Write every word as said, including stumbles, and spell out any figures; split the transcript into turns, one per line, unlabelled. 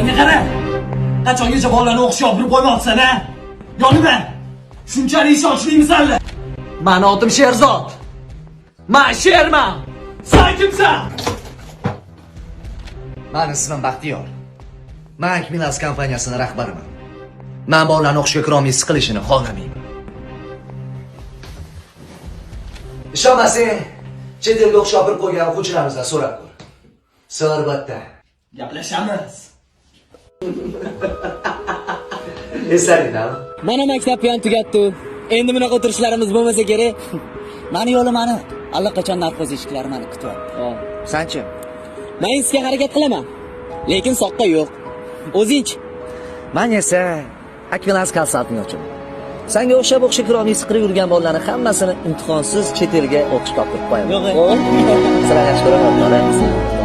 Menga qara. Qachongacha bolalarni o'qishga olib qo'ymoqsan, ha? Yoniman. Shunchalik ishonchlimisizlar? Mani otim Sherzod. Men sherman. Sen kimsan?
Mani ismim Baxtiyor. Men Akmilas kompaniyasining rahbariman. Men bolalarni o'qishga kira olmay siqilishini xohlamayman. Ishonmasang, chet elga o'qishga olib qo'ygan o'quvchilarimizdan so'rab ko'r. Albatta.
Gaplashamiz.
Eslaringdan.
Mana maktabni ham tugatdi. Endi bunaqa o'tirishlarimiz bo'lmasa kerak. Mani yo'li mani allaqachon narkoz eshiklari meni kutyapti. Sanchi? Men sizga harakat qilaman, lekin soqqa yo'q. O'zingchi.
Men esa Akmilas konsaltingchi. Senga o'xshab o'qishga kira olmay siqirib yurgan bolalarni hammasini imtihonsiz chet elga o'qishga olib qo'yaman.
Yo'q.
Sizlar yaxshi ko'raman.